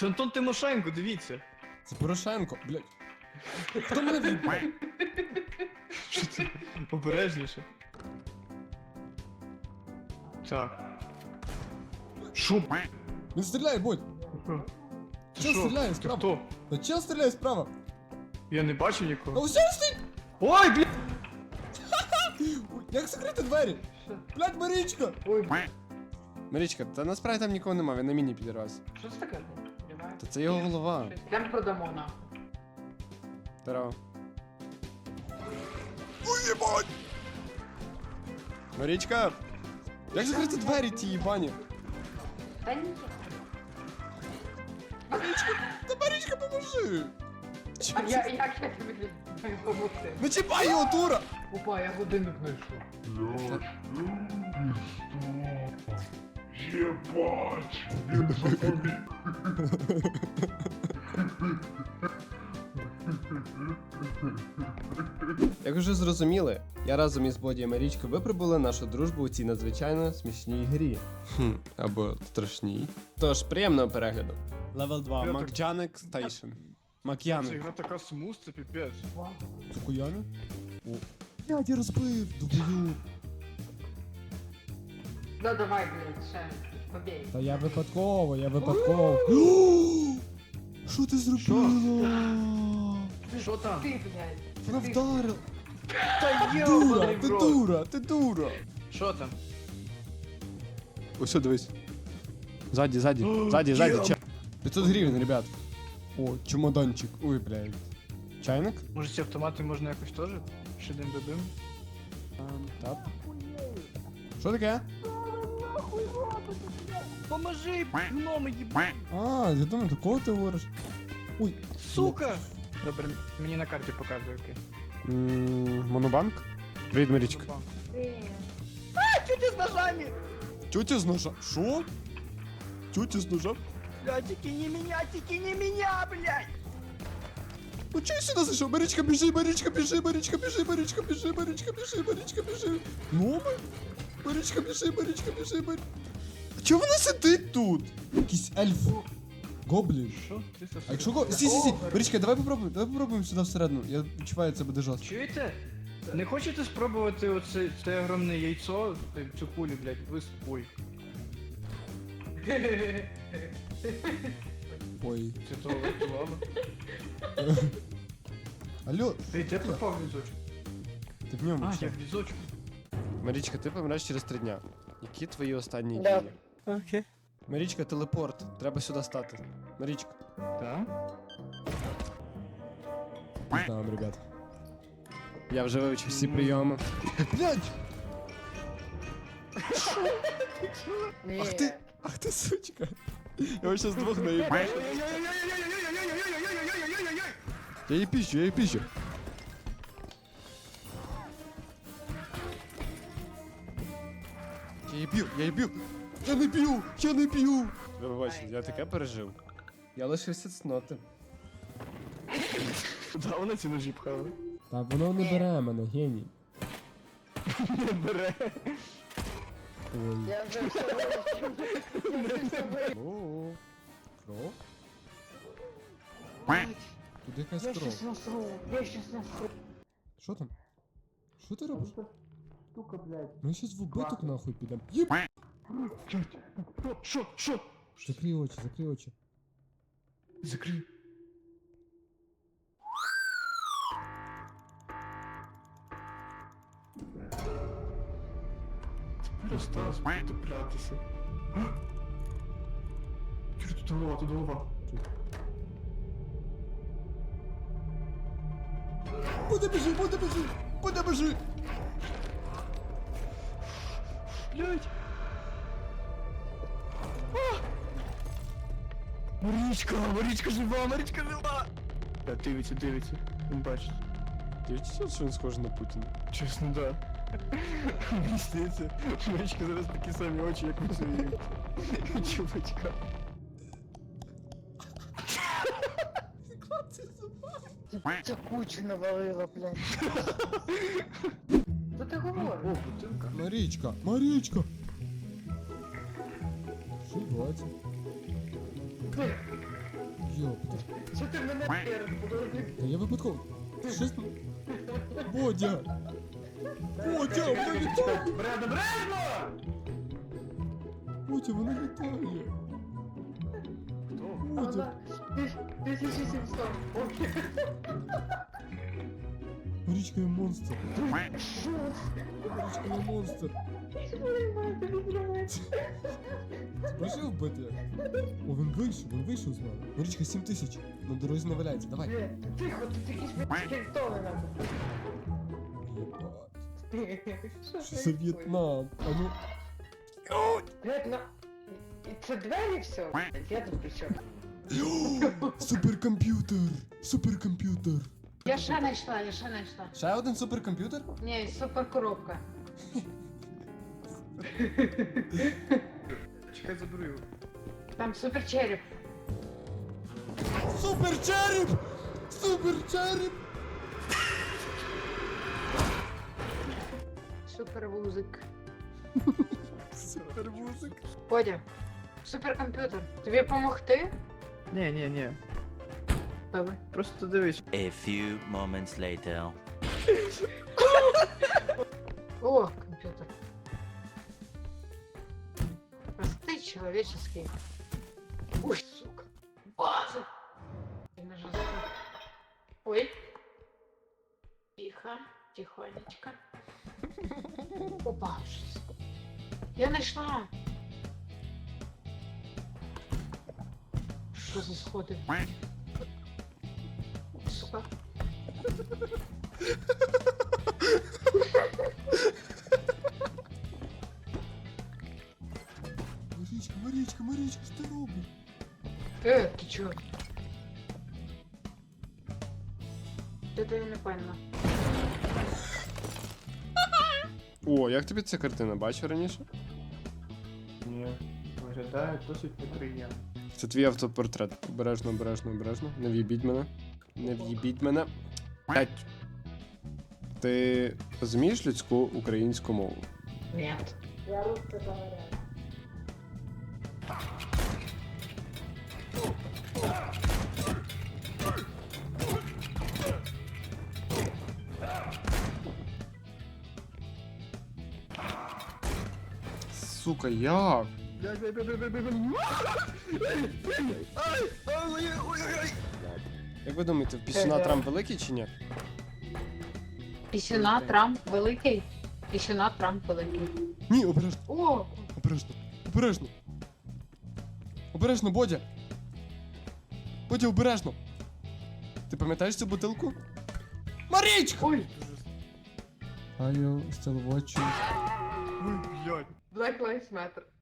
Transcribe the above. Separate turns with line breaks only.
Це Антон Тимошенко, дивіться.
Це Порошенко, блядь. Хто мене в'їбав?
Що це? Обережніше. Так. Шо?
Він стріляє, будь.
Це
Чел
що?
стріляє
Це
справа.
хто?
Та чел стріляє справа.
Я не бачу
А
нікого.
ось він стоїть!
Ой, блядь!
Ой, як закрити двері? Блядь, Марічка!
Ой,
Марічка, та насправді там нікого нема, він на міні підірвався.
що це таке? Немає?
Та це його голова.
Йдемо продамо нахуй.
Здорово. Уєбать! Марічка! Як закрити двері ті їбані?
Та ні.
Та Марічка, поможи!
А як я тобі маю помогти?
Не чіпай його, дура!
Опа, я годинник знайшов.
Ебать! Він запоміг.
Як вже зрозуміли, я разом із Боді і Марічкою випробували нашу дружбу у цій надзвичайно смішній грі. Або страшній. Тож, приємного перегляду. Левел 2.
Я
Макджаник Стейшн.
Ця
Мак'яник.
гра така смуз, це піпець.
Цукуяни? О. Блядь, я розбив, дублю.
Ну давай, блядь, ще. Побій.
Та я випадково. Що ти зробила?
Що там?
Ти, блядь.
Вона вдарила.
Та
Дура,
йобаний в
ти
рот.
дура, ти дура.
Що там?
Ось, дивись. Ззаді,
Єм.
500 гривень, ребят. О, чемоданчик. Ой, блядь. Чайник?
Може ці автомати можна якось теж? Шидим-бибим?
Так. Що таке?
Поможи, гноми їбать!
А, я думаю, до кого ти говориш? Ой.
Сука! Добре, мені на карті показує, окей.
Монобанк? Привіт, Марічка.
А, тетя з ножами!
Тетя з ножа. Що? Тетя з ножа?
Блядь, тільки не меня, блядь!
Ну чого я сюди зайшов? Марічка, біжи, Марічка, біжи. Гноми? Марічка, біжи. А чого вона сидить тут? Якийсь ельф. Гоблін.
Що? Ти сосед?
А якщо Сі. Марічка, давай попробуємо сюди всередину. Я відчуваю, це буде жорстко.
Чуєте? Не хочете спробувати це огромне яйцо, цю кулю, блядь, ви ой,
Ой.
це туалет, ладно.
Алло,
Ти де попав візочок?
ти в ньому
А,
що?
я в візочку.
Марічка, ти помреш через 3 дня. Які твої останні
Да.
дії?
Окей.
Марічка, телепорт. Треба сюди стати. Марічка.
Так?
Там, ребят. Я вже вивчив всі прийоми. Блядь!
Ні.
Ах ти сучка. Я його щас двох наїбав. Я її піщу. Я її б'ю. Я не б'ю. Ви бачите, я таке пережив. Я лишився цноти.
Куди вона ці ножі пхала?
Та воно не бере мене, геній.
Не бере.
Ой.
Я вже все вирішив.
О, кров? Тут якась
Я
кров.
щас насру.
Що там? Що ти робиш?
Штука, блядь.
Ми щас в убиток нахуй підемо. Єб!
Що?
Закрий очі.
Закрий. Тепер осталось потеплятися. Чого тут голова?
Буде біжи!
Блять! Марічка жива! Дивиться. Він бачить.
Дивіться, що він схожий на Путіна.
Чесно, да. Мені здається, Марічка зараз такі самі очі, як у своїх чувачка.
Ця кучу навалила, блядь. Що ти говориш?
О, бутилка.
Марічка! Що відбувається? Йопта.
Що ти мене перед подожди?
Та я випадково. Щось... Бодя! Бодя, вона літає!
Бредно, бредно!
Бодя, вона літає!
Хто?
Бодя!
1700. Окей.
Марічка є монстр! Марічка є монстр! Прошу вбити. О, він вийшов з мене. Марічка, 7000. На дорозі не валяється, давай.
Тихо, тут якісь кільтони нам.
Єбать. Що за В'єтнам? А ну.
Блядь, на... І це двері все? Я тут при чому?
Суперкомп'ютер! Суперкомп'ютер!
Я ще знайшла.
Ще один суперкомп'ютер?
Ні, супер коробка.
Чекай, заберу його.
Там супер череп.
Суперчереп! Суперчереп!
Супер вузик.
Супермузик.
Бодя, суперкомп'ютер. Тобі помогти?
Ні.
Добре.
Просто дивись.
A few moments later.
О, компьютер. Простый человеческий. Ой, сука. База. Я нажала. Ой. Тихо, тихонечко. Опа, сука. Я нашла. Что за сходы? Сука.
Марічка, що ти робиш?
Ты чё? Это я не поняла.
О, як тобі ця картина? Бачив раніше?
Ні. Виглядає досить неприємно.
Це твій автопортрет. Обережно. Не в'їбіть мене. П'ять. Ти розумієш людську українську мову?
Нет. Я русский говорю.
Сука, як? Як ви думаєте, в пісюна Трамп великий чи ні?
Пісюна Трамп великий. Пісюна Трамп великий.
Ні, обережно,
О!
Обережно, Бодя! Бодя, обережно! Ти пам'ятаєш цю бутилку? Марічка!
Ой!
Are you still watching?
Ой, блядь.
Black Lives Matter.